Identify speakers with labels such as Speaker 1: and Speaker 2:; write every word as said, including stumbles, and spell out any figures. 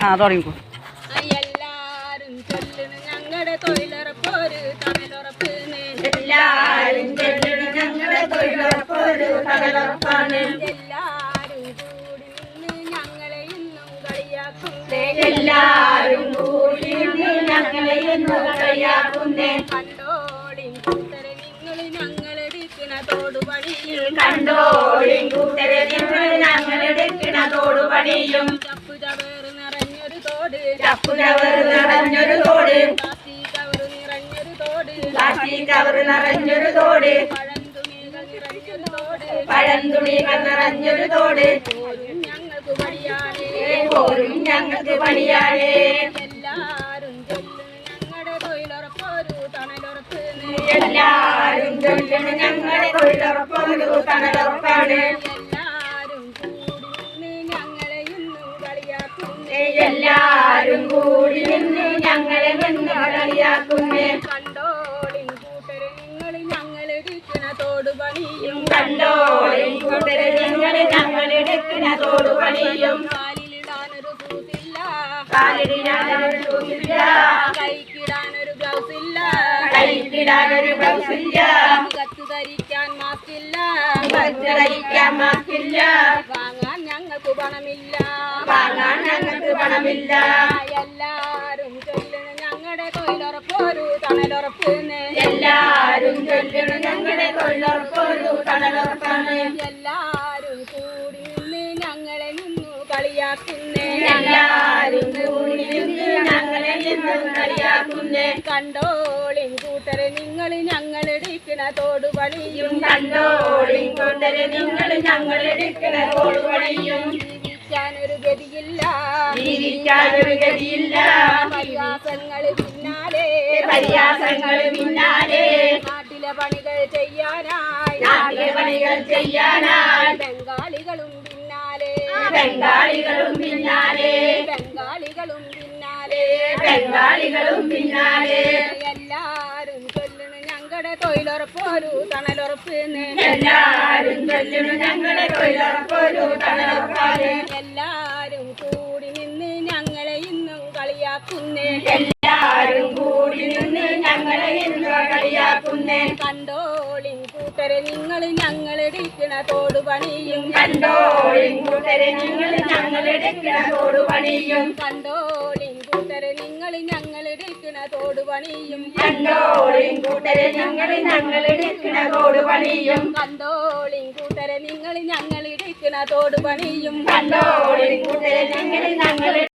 Speaker 1: ആ തുടങ്ങിക്കോ.
Speaker 2: എല്ലാരും ചൊല്ലണ് ഞങ്ങളുടെ തൊഴിലുറപ്പൊരു തണലുറപ്പ്. എല്ലാരും ചൊല്ലണ് ഞങ്ങളുടെ തൊഴിലുറപ്പൊരു തണലുറപ്പാണ്. എല്ലാരും കൂടി നിന്ന് ഞങ്ങളെ ഇന്നും കളിയാക്കുന്നേ. എല്ലാരും കൂടി നിന്ന് ഞങ്ങളെ ഇന്നും കളിയാക്കുന്നേ. കണ്ടോളിൻ കൂട്ടരെ നിങ്ങൾ ഞങ്ങളെടുക്കണ തോടുപണിയും. കണ്ടോളിൻ കൂട്ടരെ നിങ്ങൾ ഞങ്ങളെടുക്കണ തോടുപണിയും. ചപ്പു ചവേറ് നിറഞ്ഞൊരു തോട്. ചപ്പു ചവറ് നിറഞ്ഞൊരു തോട്. പ്ലാസ്റ്റിക് കവറ് നിറഞ്ഞൊരു തോട്. പ്ലാസ്റ്റിക് കവറ് നിറഞ്ഞൊരു തോട്. പഴന്തുണികൾ നിറഞ്ഞൊരു തോട്. പഴന്തുണികൾ നിറഞ്ഞൊരു തോട്. പോരും ഞങ്ങൾക്ക് പണിയാനേ. പോരും ഞങ്ങൾക്ക് പണിയാനേ. എല്ലാരും ചൊല്ലുന്നു ഞങ്ങളുടെ തൊഴിലുറപ്പൊരു തണലുറപ്പ്. എല്ലാരും ചൊല്ലുന്നു ഞങ്ങളുടെ തൊഴിലുറപ്പൊരു തണലുറപ്പാണ്. എല്ലാരും കൂടി നിന്ന് ഞങ്ങളെ ഇന്നും കളിയാക്കുന്നേ. എല്ലാരും കൂടി നിന്ന് ഞങ്ങളെ ഇന്നും കളിയാക്കുന്നേ. കണ്ടോളിൻ കൂട്ടരെ നിങ്ങൾ ഞങ്ങളെടുക്കണ തോടുപണിയും. കണ്ടോളിൻ കൂട്ടരെ നിങ്ങൾ ഞങ്ങളെടുക്കണ തോടുപണിയും. കാലിലിടാനൊരു ഷൂസില്ല. കാലിലിടാനൊരു ഷൂസില്ല. കൈക്കിടാനൊരു ഗ്ലൗസ് ഇല്ല. കൈക്കിടാനൊരു ഗ്ലൗസ് ഇല്ല. മുഖത്ത് ധരിക്കാൻ മാസ്കില്ല. മുഖത്ത് ധരിക്കാൻ മാസ്കില്ല. വാങ്ങാൻ ഞങ്ങൾക്ക് പണമില്ല. വാങ്ങാൻ ഞങ്ങൾക്ക് പണമില്ല. എല്ലാരും ചൊല്ലണ ഞങ്ങളുടെ തൊഴിലുറപ്പൊരു തണലുറപ്പ്. എല്ലാരും ചൊല്ലണ ഞങ്ങളുടെ തൊഴിലുറപ്പൊരു തണലുറപ്പാണ്. എല്ലാരും കൂടി നിന്ന് ഞങ്ങളെ നിന്നു കളിയാക്കുന്നേ. എല്ലാരും കൂടി നിന്ന് ഞങ്ങളെ നിന്നു കളിയാക്കുന്നേ. കണ്ടോളിൻ കൂട്ടരെ നിങ്ങൾ ഞങ്ങളെടുക്കണ തോടുപണിയും. കണ്ടോളിൻ കൂട്ടരെ നിങ്ങൾ ഞങ്ങളെടുക്കണ തോടുപണിയും. ജീവിക്കാനൊരു ഗതിയില്ല. ജീവിക്കാനൊരു ഗതിയില്ല. പരിഹാസങ്ങൾ പിന്നാലെ. പരിഹാസങ്ങൾ പിന്നാലെ. നാട്ടിലെ പണികൾ ചെയ്യാനായി. നാട്ടിലെ പണികൾ ചെയ്യാനായി. ബംഗാളികളും പിന്നാലെ. ബംഗാളികളും പിന്നാലെ. ബംഗാളികളും പിന്നാലെ. ബംഗാളികളും പിന്നാലെ. എല്ലാരും ചൊല്ലണു ഞങ്ങളുടെ തൊഴിലുറപ്പൊരു തണലുറപ്പ്. എല്ലാരും ചൊല്ലണു ഞങ്ങളുടെ തൊഴിലുറപ്പൊരു തണലുറപ്പാണ്. എല്ലാരും കൂടി നിന്ന് ഞങ്ങളെ ഇന്നും കളിയാക്കുന്നേ. എല്ലാരും കൂടി നിന്ന് ഞങ്ങളെ ഇന്നും കളിയാക്കുന്നേ. കണ്ടോളിൻ കൂട്ടരെ നിങ്ങൾ ഞങ്ങളെടുക്കണ തോടുപണിയും. കണ്ടോളിൻ കൂട്ടരെ നിങ്ങൾ ഞങ്ങളെടുക്കണ തോടുപണിയും. കണ്ടോളിൻ കൂട്ടരെ നിങ്ങൾ ഞങ്ങളെടുക്കണ തോടുപണിയും. കണ്ടോളിൻ കൂട്ടരെ നിങ്ങൾ ഞങ്ങളെടുക്കണ തോടുപണിയും. കണ്ടോളിൻ കൂട്ടരെ നിങ്ങൾ ഞങ്ങളെടുക്കണ തോടുപണിയും. കണ്ടോളിൻ കൂട്ടരെ നിങ്ങൾ ഞങ്ങൾ